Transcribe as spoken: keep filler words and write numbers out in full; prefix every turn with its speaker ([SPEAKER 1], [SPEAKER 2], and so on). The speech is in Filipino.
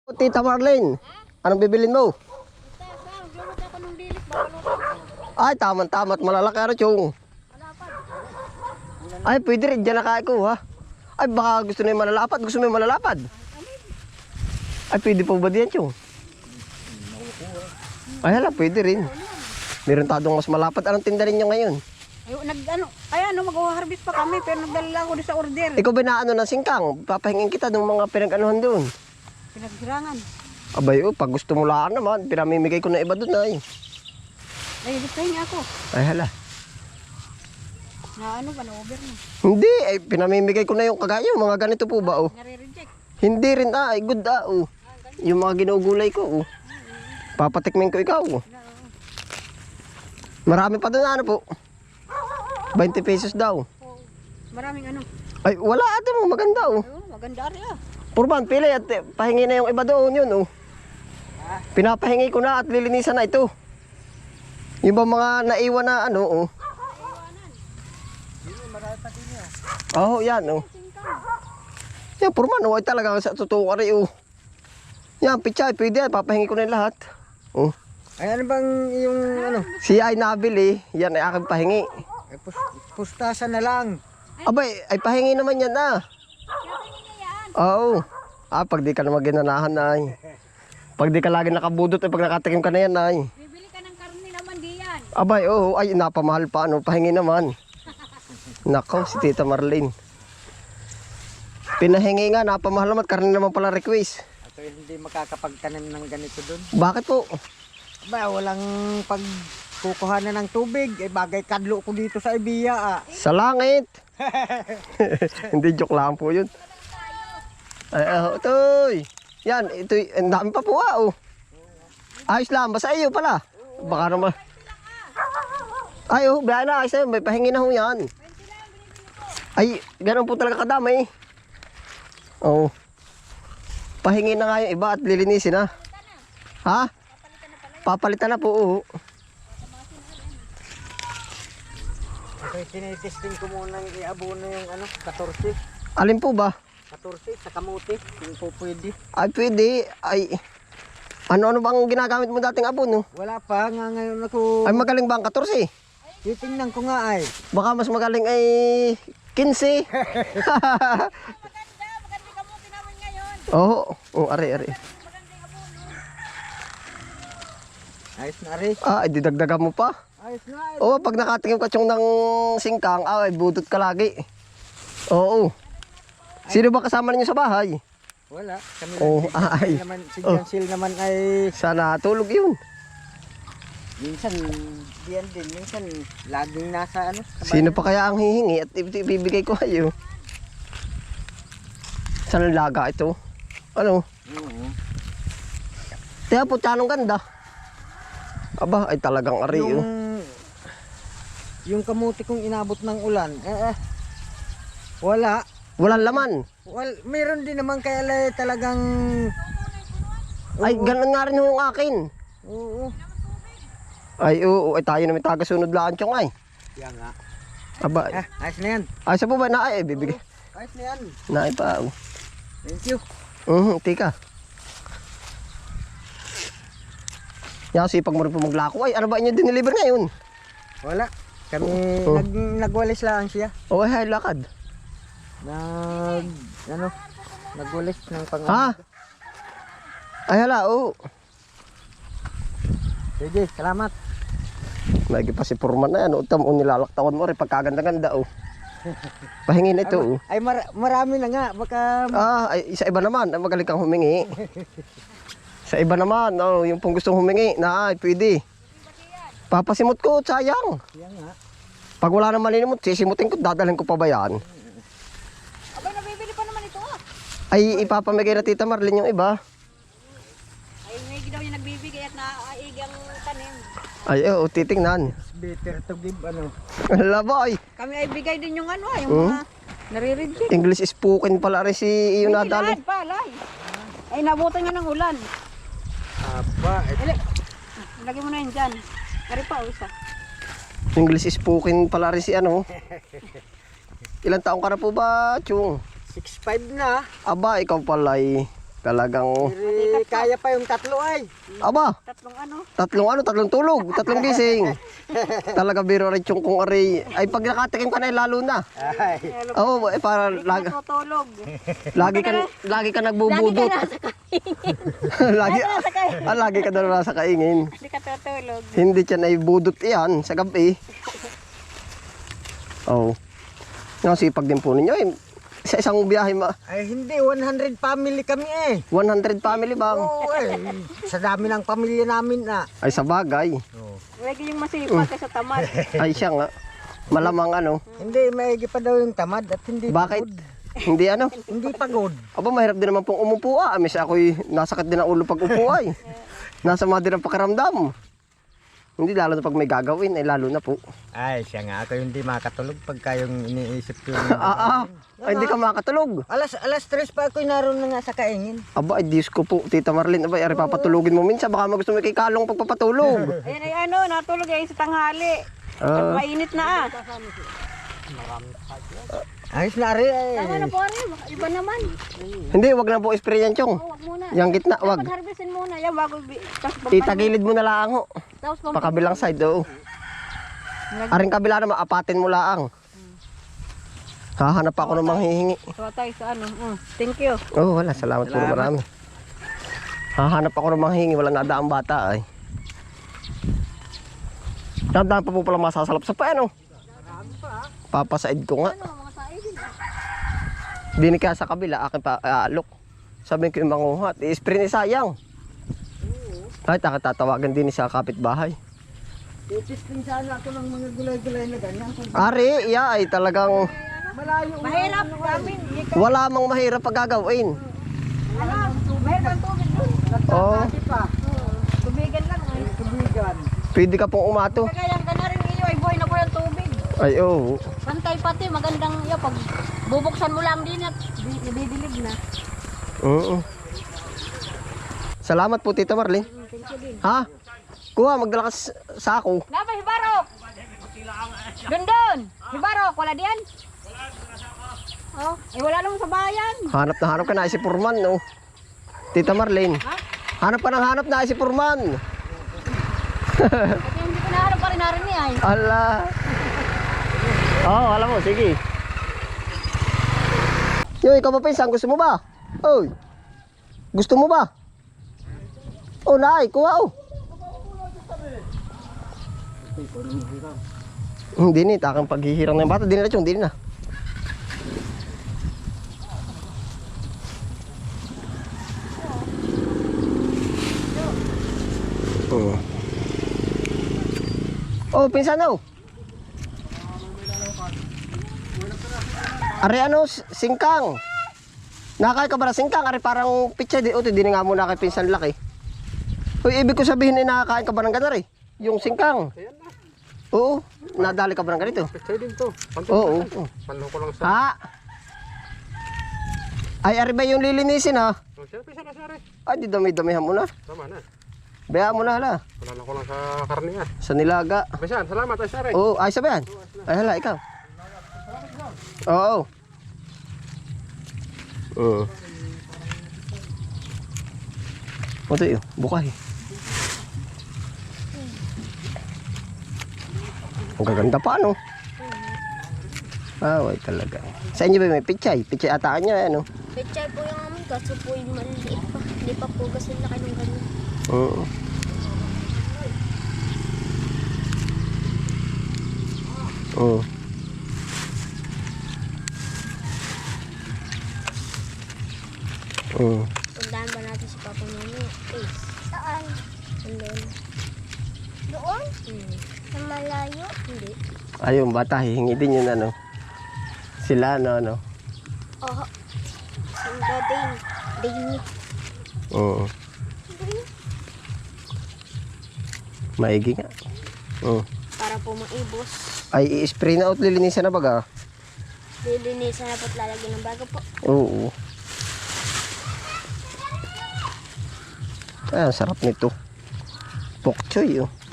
[SPEAKER 1] Tita Marlene, anong bibilin mo? Ay, tama-tama at malalaki ano, Chong. Ay, pwede rin, dyan nakain ko, ha? Ay, baka gusto na yung malalapad, gusto mo yung malalapad? Ay, pwede po ba diyan, Chong? Ay, hala, pwede rin. Meron tadong mas malapad. Anong tinda rin nyo ngayon?
[SPEAKER 2] Ay, nag, ano, ay ano, mag-harvest pa kami, pero nagdala ako doon sa order.
[SPEAKER 1] Ikaw ba na ano ng singkang? Papahingin kita ng mga pinag-anuhan doon.
[SPEAKER 2] Pinagsirangan.
[SPEAKER 1] Abay, oh, pag gusto mo laan naman, pinamimigay ko na iba doon, ay.
[SPEAKER 2] Ay, gustahin niya ako.
[SPEAKER 1] Ay, hala.
[SPEAKER 2] Na ano ba, na-over na.
[SPEAKER 1] Hindi, ay pinamimigay ko na yung kagaya, mga ganito po ba, oh.
[SPEAKER 2] Nare-reject.
[SPEAKER 1] Hindi rin, ah, ay good, ah, oh. Yung mga ginugulay ko, oh. Papatikmin ko ikaw, oh. Marami pa doon, ano po? twenty pesos daw.
[SPEAKER 2] Oh, maraming ano.
[SPEAKER 1] Ay, wala ate mo, maganda, oh.
[SPEAKER 2] Oh, maganda rin ah.
[SPEAKER 1] Purban, pili at eh, pahingi na yung iba doon, yun, oh. Pinapahingi ko na at lilinisan na ito. Yung ba mga naiwan na, ano, oh. Oh, yan, oh. Yan, purman, oh, ay talaga sa totoo ka rin, oh. Yan, pichay, pwede yan, papahingi ko na yung lahat. Oh.
[SPEAKER 3] Ay ano bang yung ano?
[SPEAKER 1] Si ay nabili, yan ay aking pahingi.
[SPEAKER 3] Ay, pus pustasan na lang.
[SPEAKER 1] Abay, ay pahingi naman yan, ah. Oo. Ah, pag di ka naman ginanahan, ay. Pag di ka lagi nakabudot, ay pag nakatikim ka na yan, ay.
[SPEAKER 2] Bibili ka ng karne naman diyan.
[SPEAKER 1] Abay, oo, ay, napamahal pa, ano, pahingi naman. Nako, si Tita Marlene. Pinahingi nga, napamahal naman, karne naman pala request.
[SPEAKER 3] Ako hindi makakapagtanim ng ganito doon.
[SPEAKER 1] Bakit po?
[SPEAKER 3] Ba, walang pagkukuhanan ng tubig. Eh, bagay kadlo ko dito sa Ibiya ah.
[SPEAKER 1] Sa langit. Hindi, joke lang po yun. Ay, oh, ito'y. Yan, ito'y, ang dami pa po, ah, oh. Ayos lang, basta iyo pala. Baka naman. Ay, oh, biyahe na, ayos na yun, may pahingi na ho yan. Ay, ganun po talaga kadami. Oo. Oh. Pahingi na nga yung iba at lilinisin na. Ha? Papalitan na po, oo.
[SPEAKER 3] Okay, tinitesting ko muna ng iabono yung ano, fourteen.
[SPEAKER 1] Alin po ba?
[SPEAKER 3] fourteen sa kamuti, kung po pwede.
[SPEAKER 1] Ay, pwede. Ay, ano-ano bang ginagamit mo dating abon, no?
[SPEAKER 3] Wala pa, nga ngayon ako.
[SPEAKER 1] Ay, magaling ba ang fourteen?
[SPEAKER 3] Titingnan ko nga ay.
[SPEAKER 1] Baka mas magaling ay fifteen.
[SPEAKER 2] Maganda, maganda ka mo namin ngayon.
[SPEAKER 1] Oo, oh, ari, ari.
[SPEAKER 3] Ayos na rin.
[SPEAKER 1] Ah, ay, didagdagan mo pa.
[SPEAKER 3] Ayos na ayos.
[SPEAKER 1] Oo, pag nakatingin ka tiyong ng singkang, ah, ay, budot ka lagi. Oo. Sino ba kasama ninyo sa bahay?
[SPEAKER 3] Wala. Kami
[SPEAKER 1] Oh,
[SPEAKER 3] lang, si
[SPEAKER 1] ay.
[SPEAKER 3] Jansil naman, si
[SPEAKER 1] Oh.
[SPEAKER 3] Jansil naman ay
[SPEAKER 1] Sana tulog yun.
[SPEAKER 3] minsan diyan din, minsan laging nasa ano. sa
[SPEAKER 1] Sino
[SPEAKER 3] bayan.
[SPEAKER 1] pa kaya ang hihingi at ibibigay ko kayo? Saan ang laga ito? Ano?
[SPEAKER 3] Oo.
[SPEAKER 1] Tiya po, tanong ganda. Aba, ay talagang ari,
[SPEAKER 3] Yung,
[SPEAKER 1] oh.
[SPEAKER 3] yung kamuti kong inabot ng ulan, eh, eh wala.
[SPEAKER 1] Walang laman.
[SPEAKER 3] Well, meron din naman kaya lay talagang
[SPEAKER 1] Ay, ganun nga rin yung akin.
[SPEAKER 3] oo.
[SPEAKER 1] Ay, oo, ay tayo na may tagasunod laan tiyong ay.
[SPEAKER 3] Yan nga.
[SPEAKER 1] Aba,
[SPEAKER 3] Ah, ayos na yan.
[SPEAKER 1] ay, sa po ba na ay, bibigay.
[SPEAKER 3] Oo, ayos na yan.
[SPEAKER 1] Na ay pa, oh.
[SPEAKER 3] Thank you.
[SPEAKER 1] Mhm, tika. Yan, sipag mo rin po maglako. Ay, ano ba inyo diniliver ngayon?
[SPEAKER 3] Wala. Kami
[SPEAKER 1] Oh.
[SPEAKER 3] nag nagwalis lang siya.
[SPEAKER 1] O, ay, ay, lakad.
[SPEAKER 3] Nag ano? Nagwalis ng pang.
[SPEAKER 1] Ha? Ay, hala, oo.
[SPEAKER 3] Sige, salamat.
[SPEAKER 1] Lagi pa si Purman na yan. Utam, o nilalaktawan mo rin pagkaganda-ganda, oh. Pahingin ito, oh.
[SPEAKER 3] Ay mar marami na nga, baka
[SPEAKER 1] Ah, ay, sa iba naman, ay, magaling kang humingi. Sa iba naman, oh, yung pong gustong humingi, na ay, pwede. Papasimot ko, sayang.
[SPEAKER 3] yan nga.
[SPEAKER 1] Pag wala nang malinimot, sisimutin ko, dadalhin ko pa ba yan?
[SPEAKER 2] Abay, nabibili pa naman ito ah.
[SPEAKER 1] Ay, ipapamigay na Tita Marlene yung iba.
[SPEAKER 2] Ay, may daw niya nagbibigay at naaig ang tanim.
[SPEAKER 1] Ay, oo, titingnan.
[SPEAKER 3] It's better to give ano.
[SPEAKER 1] Laba, ay.
[SPEAKER 2] Kami ay bigay din yung ano ah, yung
[SPEAKER 1] Hmm?
[SPEAKER 2] mga nare-reject.
[SPEAKER 1] English spoken pala rin si yung
[SPEAKER 2] May
[SPEAKER 1] nadali.
[SPEAKER 2] tinahad pa, alay. Ay, nabutan niya ng ulan.
[SPEAKER 3] Aba, eh,
[SPEAKER 2] Dali. Lagay mo na yun dyan. Kari pa, o isa.
[SPEAKER 1] English spoken pala rin si ano. Ilang taong ka na po ba, Chung?
[SPEAKER 3] six five na.
[SPEAKER 1] Aba, ikaw pala ay Talagang,
[SPEAKER 3] Eh, kaya pa yung tatlo ay.
[SPEAKER 1] aba,
[SPEAKER 2] Tatlong ano.
[SPEAKER 1] tatlong ano, tatlong tulog, tatlong gising. Talaga biro rin yung kung aray. Ay, pag nakatikim ka na, eh, lalo na.
[SPEAKER 3] Ay.
[SPEAKER 1] Oo, eh, para
[SPEAKER 2] Hindi ka
[SPEAKER 1] lagi,
[SPEAKER 2] natutulog.
[SPEAKER 1] lagi ka, lagi ka
[SPEAKER 2] Lagi ka
[SPEAKER 1] nagbubudot.
[SPEAKER 2] nasa kaingin.
[SPEAKER 1] lagi,
[SPEAKER 2] nasa kaingin.
[SPEAKER 1] ah, lagi ka daw nasa kaingin.
[SPEAKER 2] Hindi ka tutulog.
[SPEAKER 1] Hindi siya na ibudot iyan sa gabi. Oo. Oh. Sipag din po ninyo eh. Sa isang biyahe, ma
[SPEAKER 3] Ay hindi, one hundred family kami eh.
[SPEAKER 1] one hundred family bang?
[SPEAKER 3] Oo eh. Sa dami ng pamilya namin na.
[SPEAKER 1] Ay, sa bagay.
[SPEAKER 3] Oo.
[SPEAKER 2] Lagi yung masipag ka sa tamad.
[SPEAKER 1] Ay, siya nga. Malamang ano.
[SPEAKER 3] Hindi, maigi pa daw yung tamad at hindi
[SPEAKER 1] Bakit?
[SPEAKER 3] pagod.
[SPEAKER 1] Hindi ano.
[SPEAKER 3] Hindi pagod.
[SPEAKER 1] Aba, mahirap din naman pong umupo ah. Miss ako'y nasakit din ang ulo pag upo ay. Nasama din ang pakiramdam. Hindi, lalo na pag may gagawin, ay lalo na po.
[SPEAKER 3] Ay, siya nga. Ako hindi makatulog pagka yung iniisip yung...
[SPEAKER 1] Ah, ah. Ay, hindi ka makatulog.
[SPEAKER 3] Alas, alas tres pa ako naroon na nga sa kaingin.
[SPEAKER 1] Aba, ay Diyos ko po, Tita Marlene. Aba, ay papatulogin mo minsan. Baka magusto mo kay Kalong pagpapatulog.
[SPEAKER 2] Ayan ay ano, natulog ay sa tanghali.
[SPEAKER 1] Ah.
[SPEAKER 2] Mainit na ah.
[SPEAKER 3] Ayos na rin eh.
[SPEAKER 2] Tama na po rin, iba naman.
[SPEAKER 1] Hindi, wag na po spray yan, Chong.
[SPEAKER 2] Oh, wag muna.
[SPEAKER 1] Yang gitna, wag.
[SPEAKER 2] Dapat harvestin muna. Yan, bago bi- tapos
[SPEAKER 1] Itagilid mo na lang ho.
[SPEAKER 2] Tapos pampa-
[SPEAKER 1] Pakabilang side, oo. Aring kabila naman, apatin mo lang. Hahanap ako ng manghihingi.
[SPEAKER 2] Tawa tayo sa ano. Mm, thank you.
[SPEAKER 1] Oh, wala. Salamat po marami. Hahanap ako ng manghihingi. Wala nadaang bata ay. Dadaan pa po pala masasalap sa paano. Papasaid ko nga.
[SPEAKER 2] Ano, mga saibin.
[SPEAKER 1] Dinig ka sa kabila, akin pa aalok. Sabi ko yung manguhat. I-spray ni sayang. Ay, takatatawagan din sa kapitbahay.
[SPEAKER 3] Titisting sana ako ng mga gulay-gulay na ganyan.
[SPEAKER 1] Ari, iya ay talagang
[SPEAKER 3] Malayo.
[SPEAKER 2] Mahirap kami. Hindi ka-
[SPEAKER 1] wala mang mahirap pag gagawin.
[SPEAKER 2] Ano, mahirap ang tubig doon.
[SPEAKER 1] Oo.
[SPEAKER 3] Nagtatati pa.
[SPEAKER 2] Tubigan lang. Ay.
[SPEAKER 3] Tubigan.
[SPEAKER 1] Pwede ka pong umato.
[SPEAKER 2] Kaya ka na rin iyo ay buhay na buhay ang tubig.
[SPEAKER 1] Ay, oo.
[SPEAKER 2] Pantay pati, magandang iyo. Pag bubuksan mo lang din at di- nabibilib na.
[SPEAKER 1] Oo. Salamat po, Tita Marlene.
[SPEAKER 2] Mm, thank you din.
[SPEAKER 1] Ha? Kuha, magdala ka sa sako.
[SPEAKER 2] Napa, Hibarok! Doon doon! Hibarok, wala diyan? Oh, eh wala naman sa bayan.
[SPEAKER 1] Hanap na hanap ka na si Purman, no? Tita Marlene.
[SPEAKER 2] Ha?
[SPEAKER 1] Hanap ka ng hanap na si Purman.
[SPEAKER 2] Kasi hindi ko naharap pa rin narin niya ay.
[SPEAKER 1] Ala. Oh, alam mo, sige. Yo, ikaw ba pinsan? Gusto mo ba? Oy. Gusto mo ba? Oh, nay, kuha oh. Hindi ni, takang paghihirang ng bata. Di na chong, di na. Oh. Oh, pinsan oh. Ari ano, s- singkang. Nakakay ka ba na singkang? Ari parang pitsa di. Uto, di na nga mo nakay pinsan laki. Uy, ibig ko sabihin ay nakakain ka ba ng ganari? Yung singkang. Oo, nadali ka ba ng ganito?
[SPEAKER 4] Pwede din to.
[SPEAKER 1] Oo. oo.
[SPEAKER 4] Panlo ko lang sa...
[SPEAKER 1] Ha? Ay, ari ba yung lilinisin ha?
[SPEAKER 4] Oh, siyempre, sana, sari.
[SPEAKER 1] Ay, di dami-damihan mo na.
[SPEAKER 4] Tama na.
[SPEAKER 1] Bayaan mo na hala.
[SPEAKER 4] Panalo ko lang sa karne yan.
[SPEAKER 1] Sa nilaga.
[SPEAKER 4] Bisan, salamat ay sari.
[SPEAKER 1] Oo, ay sabihan. Ay hala, ikaw. Oo. Oo. Ito yun, bukay. Ang gaganda pa, no? Ah, way talaga. Sa inyo ba may pichay? Pichay ataan nyo, ano?
[SPEAKER 5] Pechay po yung amin, kaso po yung maliit pa. Hindi pa po kasi laki ng ganyan.
[SPEAKER 1] Oo. Oo. Oo.
[SPEAKER 5] Pundahan ba natin si Papa Nono? Eh, saan? Doon. Doon? Hmm. Sa malayo? Hindi.
[SPEAKER 1] Ayun, bata, hihingi din yun, ano? Sila, ano, ano?
[SPEAKER 5] Oo. Sanda din. Din.
[SPEAKER 1] Oo. Maigi nga. Oo.
[SPEAKER 5] Para po maibos.
[SPEAKER 1] Ay, i-spray na out, lilinisan na baga.
[SPEAKER 5] Lilinisan na po't lalagyan ng bago po.
[SPEAKER 1] Oo. Ay, ang sarap nito. Pok choy, oh.